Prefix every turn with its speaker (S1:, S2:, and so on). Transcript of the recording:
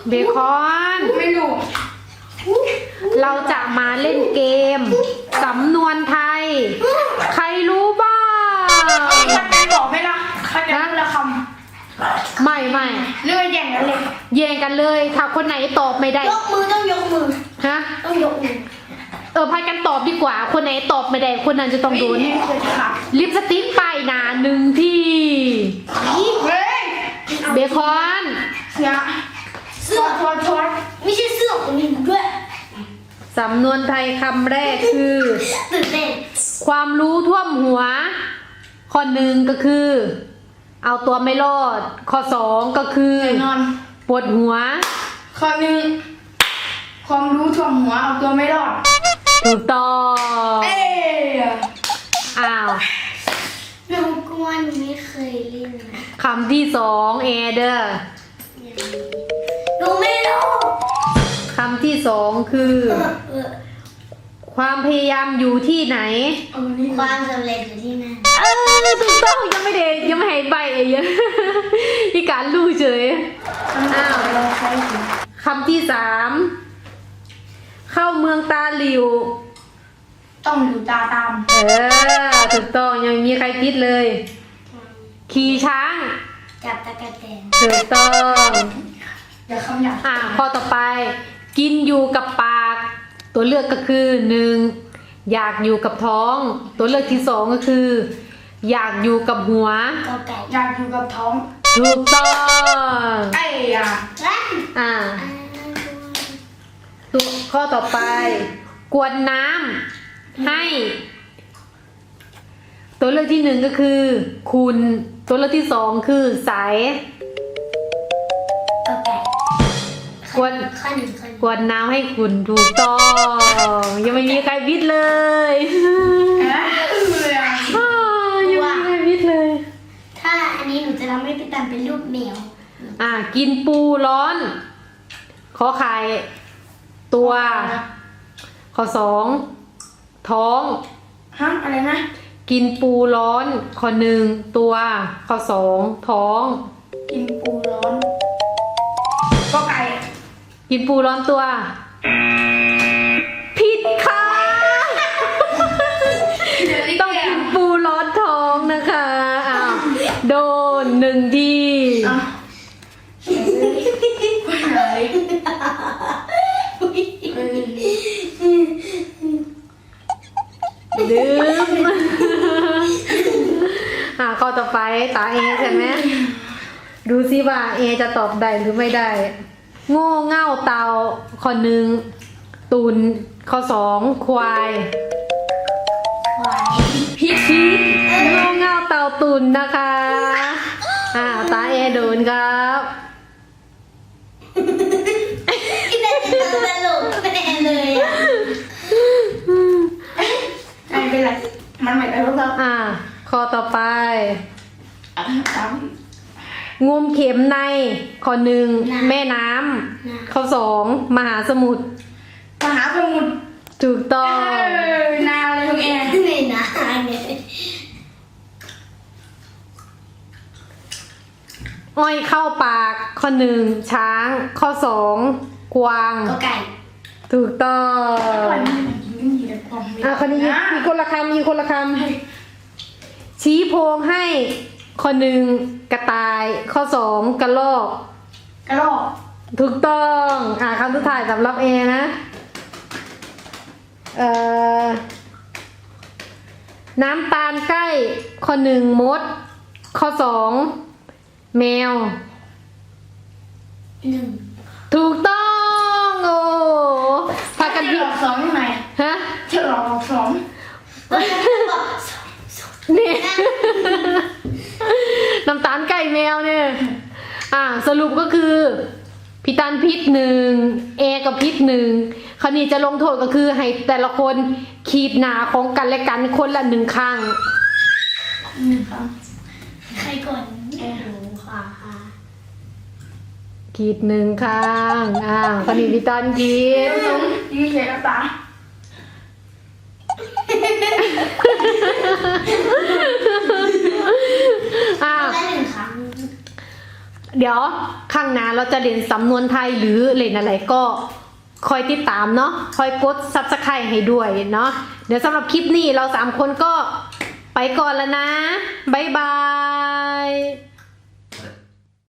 S1: เบคอน
S2: ไม่รู้
S1: เราจะมาเล่นเกมสำนวนไทย ใครรู้บ้าง
S2: คะแนนบอกไหมล่ะคะแนนละคำ
S1: ไม่
S2: เรื่องแย่งกันเลย
S1: แย่งกันเลยถ้าคนไหนตอบไม่ได้
S2: ยกมือต้องยกมือ
S1: ฮะ
S2: ต้องยกมือ
S1: พายกันตอบดีกว่า คนไหนตอบไม่ได้คนนั้นจะต้องโดน
S2: เคยค่ะ
S1: ลิปสติกไปหนา1 ที
S2: เฮ้ย
S1: เบคอน
S2: เสื้อทอดไม่ใช่เสื้อของหนูด้วย
S1: สำนวนไทยคำแรกคือ
S2: ตื่นเต้น
S1: ความรู้ท่วมหัว ข้อ 1ก็คือ เอาตัวไม่รอด ข้อ 2ก็คือ
S2: แน่นอน
S1: ปวดหัว
S2: ข้อหนึ่งความรู้ท่วมหัวเอาตัวไม่รอด
S1: ถูกต้อง
S2: เอ้ย
S1: อ้าว
S3: หนูกลัวหนูไม่เคยเล่นนะ
S1: คำที่2เอเดอร์
S3: หนูไม่รู้
S1: คำที่2คือ ความพยายามอยู่ที่ไหน
S2: นี่
S3: ความสำเร็จอยู่ที่นั่น
S1: ถูกต้องยังไม่ให้ใบเองที่การรู้เฉย อ้าว คำที่3เข้าเมืองตาหลิว
S2: ต้องดูตาตาม
S1: ถูกต้องยังมีใครคิดเลย ขี่ช้าง
S3: จับตะกะแตน
S1: ถูกต้อง
S2: อย่าคำหยาบ
S1: ข้อต่อไป กินอยู่กับปาก ตัวเลือกก็คือ 1. อยากอยู่กับท้อง ตัวเลือกที่2ก็คือ อยากอยู่กับหัว
S3: กอไก่
S2: อยากอยู่กับท้อง
S1: ถูกต้อง
S2: ไอ้ยา
S3: รัน
S1: ตัวข้อต่อไป กวนน้ำให้ ตัวเลือกที่1ก็คือ คุณ ตัวเลือกที่2คือใส
S3: กอไก่
S1: กวน
S3: ข้อหนึ่งข้อหนึ่ง
S1: กวนน้ำให้คุณถูกต้อง ยังไม่มีใครวิทย์เลย ยังไม่มีใครวิทย์เลย
S3: ถ้าอันนี้หนูจะทำให้พี่ตันเป็นรูปแมว
S1: กินปูร้อน ขอไข่ตัว ข้อ 2 ท้อง
S2: ฮะอะไรนะ
S1: กินปูร้อน ข้อ 1 ตัว ข้อ 2 ท้อง
S2: กินปูร้อนก็ไก่
S1: กินปูร้อนตัว ผิดค่ะ ต้องกินปูร้อนท้องนะคะโดน1 ที ดื่ม ข้อต่อไปตาเอใช่ไหมดูซิว่าเอจะตอบได้หรือไม่ได้ โง่เง่าเตา ข้อ 1 ตุน ข้อ 2 ควาย
S3: ควาย
S1: ผิดโง่เง่าเตาตุนนะคะตาเอโดนครับ
S3: พี่ตันจะตลกแน่เลยอ่ะ
S2: ไม่เป็นไรมันไม่ได้หรอกครับ
S1: ข้อต่อไป งมเข็มใน ข้อ 1 แม่น้ำ ข้อ 2 มหาสมุทร
S2: มหาสมุทร
S1: ถูกต้อง
S2: นาเลยทุกแอน
S3: ไม่นะเนี่ย
S1: อ้อยเข้าปาก ข้อ 1 ช้าง ข้อ 2 กวาง
S3: กอไก่
S1: ถูกต้อง
S2: วันนี้กินดีแต่ความไม่
S1: คนนี้มีคนละคำชี้โพงให้ ข้อ 1 กระต่าย ข้อ 2 กระรอก
S2: กระรอก
S1: ถูกต้องคำสุดท้ายสำหรับเอนะน้ำตาลใกล้ ข้อ 1 มด ข้อ 2 แมว
S3: 1
S1: ถูกต้องโอ้พากัน
S2: เฉ
S1: ผิ
S2: ล
S1: ด
S2: อกสองยังไง
S1: ฮะ
S2: เฉลอกสอง
S1: นี่ น้ำตาลไก่แมวเนี่ยสรุปก็คือพี่ตันพิษ1เอกับพิษ1คราวนี้จะลงโทษก็คือให้แต่ละคนขีดหนาของกันและกันคนละ1 ครั้ง
S2: 1 ครั้ง
S3: ใครก่อนหนูค่ะ
S1: ขีด1 ครั้งคราวนี้พี่ตันขีด
S2: นี่เสียตา
S3: ได้1 ครั้ง
S1: เดี๋ยวข้างหน้าเราจะเรียนสำนวนไทยหรือเรียนอะไรก็คอยติดตามเนาะคอยกด Subscribe ให้ด้วยเนาะเดี๋ยวสำหรับคลิปนี้เรา3คนก็ไปก่อนแล้วนะบ๊ายบาย